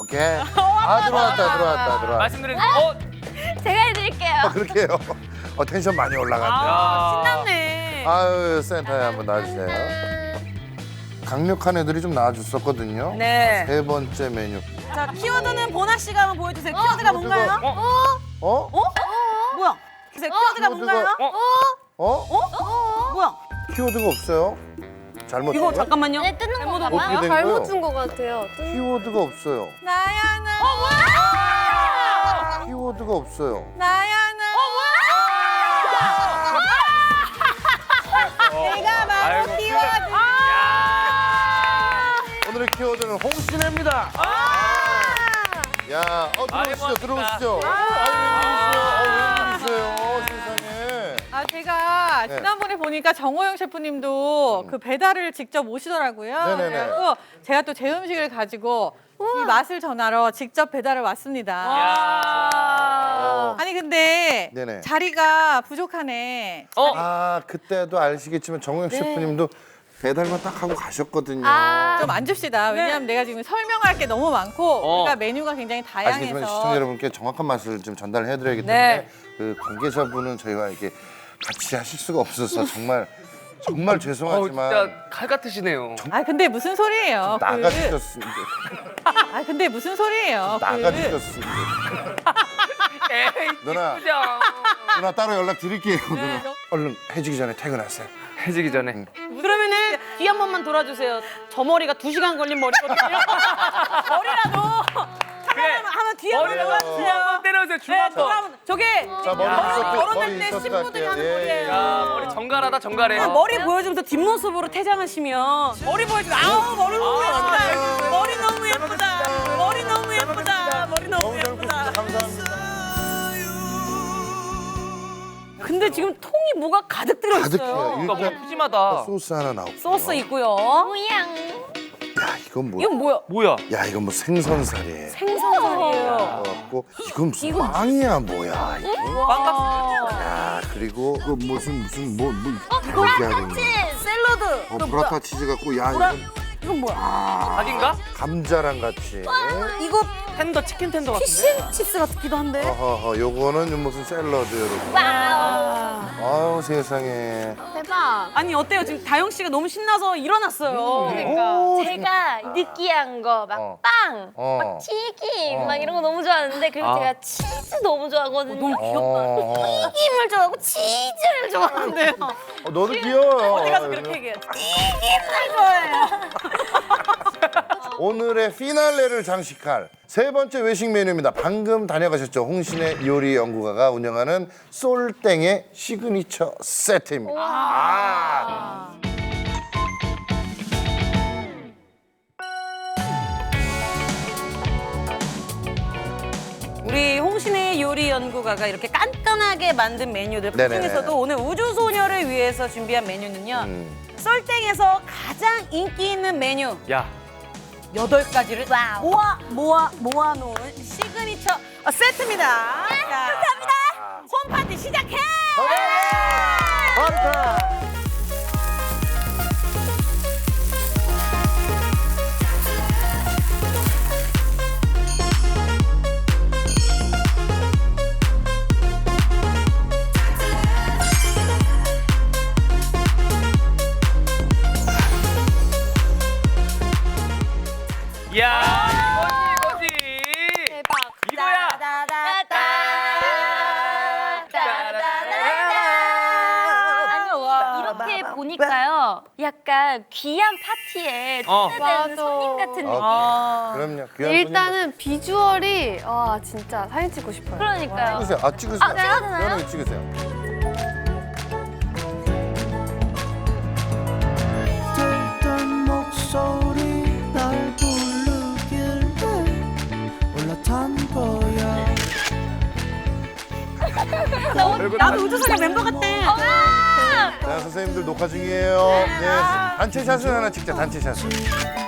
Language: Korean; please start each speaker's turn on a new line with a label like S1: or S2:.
S1: 오케이. 들어왔다.
S2: 말씀드린
S3: 제가 해드릴게요.
S1: 그렇게 해요. 텐션 많이 올라갔네.
S4: 신났네.
S1: 아유, 센터에 한번 놔주세요. 강력한 애들이 좀 나와줬었거든요.
S4: 네.
S1: 세 번째 메뉴.
S4: 자, 키워드는 보나 씨가 한번 보여주세요. 키워드가 뭔가요?
S1: 어?
S4: 뭐야? 키워드가 뭔가요? 뭐야?
S1: 키워드가 없어요. 잘못
S4: 이거
S1: 준 거야?
S4: 잠깐만요.
S3: 네, 뜯는 건가
S1: 어떻게
S3: 봐요.
S1: 된
S5: 잘못
S1: 거예요?
S5: 준 것 같아요.
S1: 키워드가 없어요.
S4: 나야나.
S1: 키워드가 없어요.
S4: 나야나. 내가 바로 키워드.
S1: 오늘의 키워드는 홍신혜입니다. 야, 들어오시죠, 들어오시죠. 웬일이세요, 세상에.
S6: 제가
S1: 네.
S6: 지난번에 보니까 정호영 셰프님도 그 배달을 직접 오시더라고요.
S1: 네네네.
S6: 그래서 제가 또 제 음식을 가지고 이 맛을 전하러 직접 배달을 왔습니다. 아니 근데
S1: 네네.
S6: 자리가 부족하네.
S1: 그때도 아시겠지만 정우영 셰프님도 배달만 딱 하고 가셨거든요.
S6: 좀 앉읍시다. 왜냐하면 내가 지금 설명할 게 너무 많고 우리가 메뉴가 굉장히
S1: 아시겠지만
S6: 다양해서
S1: 시청자 여러분께 정확한 맛을 좀 전달해드려야기 때문에
S4: 네.
S1: 그 관계자분은 저희와 이렇게 같이 하실 수가 없어서 정말 죄송하지만
S2: 진짜 칼 같으시네요.
S6: 근데 무슨 소리예요?
S1: 나가주셨습니다.
S6: 근데 무슨 소리예요?
S1: 나가주셨습니다.
S2: 에이,
S1: 누나 따로 연락 드릴게요. 누나. 얼른 해지기 전에 퇴근하세요.
S2: 해지기 전에.
S4: 그러면은 뒤 한 번만 돌아주세요. 저 머리가 2시간 걸린 머리거든요. 머리라도 한번 뒤에 한번 돌아주세요.
S2: 한번 때려주세요. 중 한 번.
S4: 저게
S1: 자, 머리
S4: 결혼할 때
S1: 인서트
S4: 신부들이
S1: 할게요.
S4: 하는
S1: 예,
S4: 머리예요.
S2: 야, 머리 정갈하다 정갈해.
S4: 머리 보여주면서 뒷모습으로 퇴장하시면 머리 보여주면 머리 너무 예쁘다. 머리 너무 예쁘다. 머리 너무 예쁘다. 머리 너무
S1: 너무 잘
S4: 예쁘다.
S1: 굽습니다. 감사합니다.
S4: 근데 지금 통이 뭐가 가득 들어
S1: 가득해요.
S4: 있어요.
S2: 뭔가
S1: 일단
S2: 푸짐하다.
S1: 소스 하나 나오고.
S4: 소스 있고요.
S3: 모양.
S1: 야, 이건 뭐?
S4: 이건 뭐야?
S2: 뭐야?
S1: 야, 이건 뭐 생선살이에요.
S4: 생선살이에요.
S1: 갖고 이건 무슨 빵이야 뭐야 이거?
S2: 빵 같은.
S1: 야, 그리고 그 무슨 뭐
S3: 브라타 치즈.
S4: 샐러드.
S1: 브라타 치즈 갖고 야
S4: 이건 뭐야?
S2: 닭인가?
S1: 감자랑 같이.
S4: 이거
S2: 텐더 치킨 텐더 같은데.
S4: 피쉬칩스 같기도 한데.
S1: 어허허, 요거는 무슨 샐러드 여러분.
S3: 와우.
S1: 아유 세상에.
S5: 대박.
S4: 아니 어때요? 지금 다영 씨가 너무 신나서 일어났어요.
S1: 오,
S3: 제가 느끼한 거, 막
S1: 어.
S3: 빵,
S1: 어.
S3: 막 튀김, 막 이런 거 너무 좋아하는데 그리고 제가 치즈 너무 좋아하거든요.
S4: 너무 귀엽다.
S3: 튀김을 좋아하고 치즈를 좋아하는데요.
S1: 너도 귀여워요.
S4: 어디 가서 그렇게 얘기해. 튀김을 좋아해요.
S1: 오늘의 피날레를 장식할 세 번째 외식 메뉴입니다. 방금 다녀가셨죠? 홍신의 요리 연구가가 운영하는 솔땡의 시그니처 세트입니다.
S4: 우리 홍신의 요리 연구가가 이렇게 깐깐하게 만든 메뉴들 그
S1: 네네네.
S4: 중에서도 오늘 우주소녀를 위해서 준비한 메뉴는요. 썰땡에서 가장 인기 있는 메뉴
S2: 야.
S4: 8가지를
S3: 와우.
S4: 모아놓은 시그니처 세트입니다. 자, 감사합니다. 홈파티 시작해!
S1: 파르타!
S2: 야, 이거지.
S5: 대박.
S2: 이거야.
S3: 이렇게 보니까요, 약간 귀한 파티에
S2: 어.
S3: 초대되는
S5: 맞아.
S3: 손님 같은 느낌.
S1: 그럼요. 귀한
S5: 일단은 비주얼이 와 진짜 사진 찍고 싶어요.
S3: 그러니까요.
S1: 찍으세요. 찍으세요.
S3: 찍어도 되나요?
S1: 연하게 찍으세요.
S7: 들던 목소리 날 부르길래 올라탄 거야.
S4: 나도 우주소녀 멤버 같대.
S1: 자, 선생님들 녹화 중이에요. 네, 단체샷을 하나 찍자. 단체샷을.